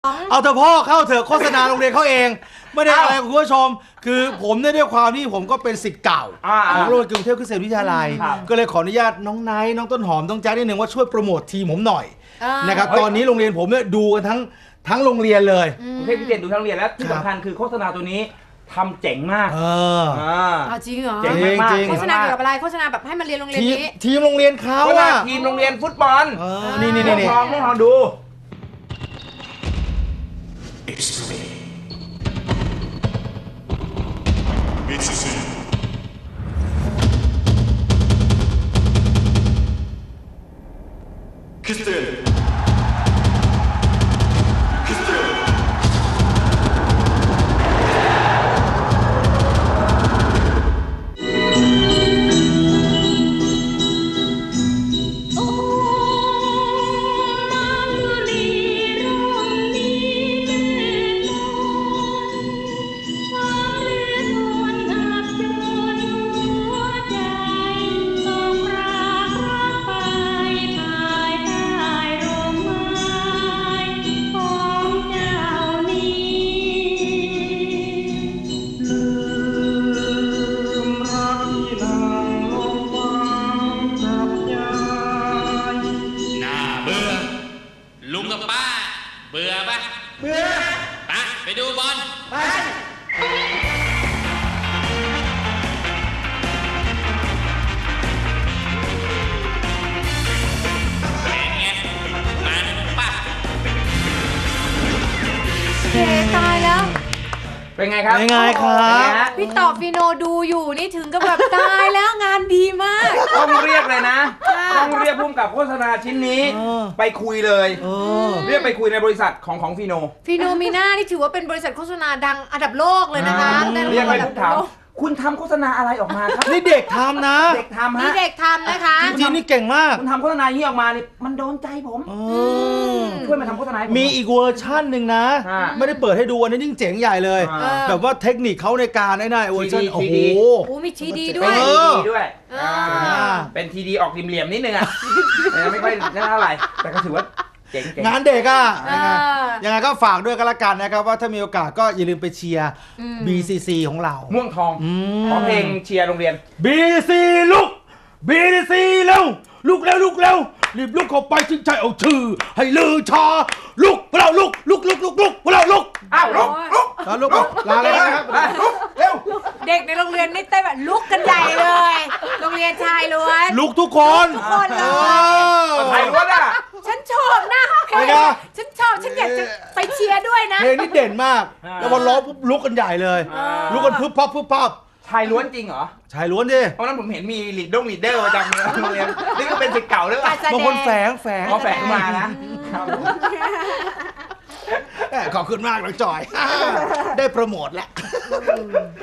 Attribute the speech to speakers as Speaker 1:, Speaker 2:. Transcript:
Speaker 1: เอาเถอะพ่อเข้าเถอะโฆษณาโรงเรียนเขาเองไม่ได้อะไรคุณผู้ชมคือผมเนี่ยด้วยความที่ผมก็เป็นศิษย์เก่าของโรงเรียนกรุงเทพคริสเตียนวิทยาลัยก็เลยขออนุญาตน้องไนท์น้องต้นหอมน้องแจ๊คนิดนึงว่าช่วยโปรโมททีมผมหน่อยนะครับตอนนี้โรงเรียนผมเนี่ยดูกันทั้งโรงเรียนเลย
Speaker 2: กรุงเทพคริสเตียนดูทั้งโรงเรียนแล้วที่สำคัญคือโฆษณาตัวนี้ทำเจ๋งมาก
Speaker 3: จริงเหรอ
Speaker 2: เจ๋งมาก
Speaker 3: โฆษณาเกี่ยวกับอะไรโฆษณาแบบให้มันเรียนโรงเรียนนี้
Speaker 1: ทีมโรงเรียนเขาอะ
Speaker 2: ทีมโรงเรียนฟุตบอล
Speaker 1: นี่
Speaker 2: ลองดู
Speaker 4: Kristen.
Speaker 5: ลุงกับป้าเบื่อปะเบื่อไปดูบอลไปเป็นไงมาหนึ่งป้า
Speaker 3: ตายแล้ว
Speaker 2: เป็นไงครับ
Speaker 3: พี่ต่อฟีโนดูอยู่นี่ถึงกับแบบตายแล้วงานดีมาก
Speaker 2: ต้องเรียกเลยนะต้องเรียกพุ่มกับโฆษณาชิ้นนี้ไปคุยเลยเรียกไปคุยในบริษัทของฟีโน
Speaker 3: มีน่านี่ถือว่าเป็นบริษัทโฆษณาดังอันดับโลกเลยนะคะ
Speaker 2: เรียกไปพูดถามคุณทำโฆษณาอะไรออกมาครับ
Speaker 1: นี่เด็กทำนะ
Speaker 2: เด็กทำฮะ
Speaker 3: นี่เด็กทำนะคะ
Speaker 1: จริงๆนี่เก่งมาก
Speaker 2: คุณทำโฆษณานี้ออกมานี่มันโดนใจผมช่วยมาทำโฆษณา
Speaker 1: มีอีกเวอร์ชั่นหนึ่งนะไม่ได้เปิดให้ดูอันนี้ยิ่งเจ๋งใหญ่เลยแบบว่าเทคนิคเขาในการไอ้นั่นเวอร์ชันโอ้โห
Speaker 3: มีทีดีด้วย
Speaker 2: เป็นทีดีออกริมเหลี่ยมนิดนึงอ่ะไม่ค่อยเท่าไหร่แต่ก็ถือว่าง
Speaker 1: านเด็กอ่ะยังไงก็ฝากด้วยกันละกันนะครับว่าถ้ามีโอกาสก็อย่าลืมไปเชียร์ BCC ของเรา
Speaker 2: ม่วงทองขอเพลงเชียร์โรงเรียน
Speaker 1: BCC ลุก BCC เร็วลุกเร็วรีบลุกเข้าไปชิงชัยเอาชื่อให้ลือชาลุกพวกเราลุกพวกเราลุก
Speaker 2: อ้าวลุก
Speaker 1: ลาเลยนะครับ
Speaker 2: เร็ว
Speaker 3: เด็กในโรงเรียนนี่เต้นแบบลุกกันใหญ่เลยโรงเรียนชายล้วน
Speaker 1: ลุกทุกคน
Speaker 3: เลย
Speaker 2: ชายล้วนอ่ะ
Speaker 3: ฉันชอบนะเพลงฉันชอบฉันอยากจะไปเชียร์ด้วยนะ
Speaker 1: เพลงนี้เด่นมากแล้วพอร้องปุ๊บลุกกันใหญ่เลยลุกกันพึบพับ
Speaker 2: ชายล้วนจริงเหรอ
Speaker 1: ชายล้วนดิ
Speaker 2: เพราะนั้นผมเห็นมีลีดเดอร์ประจำโรงเรียนนี่ก็เป็นศิษย์เก่าด้วย
Speaker 1: บางคนแฝง
Speaker 2: มานะ
Speaker 1: ขอบคุณมากน้องจอยได้โปรโมทแล้ว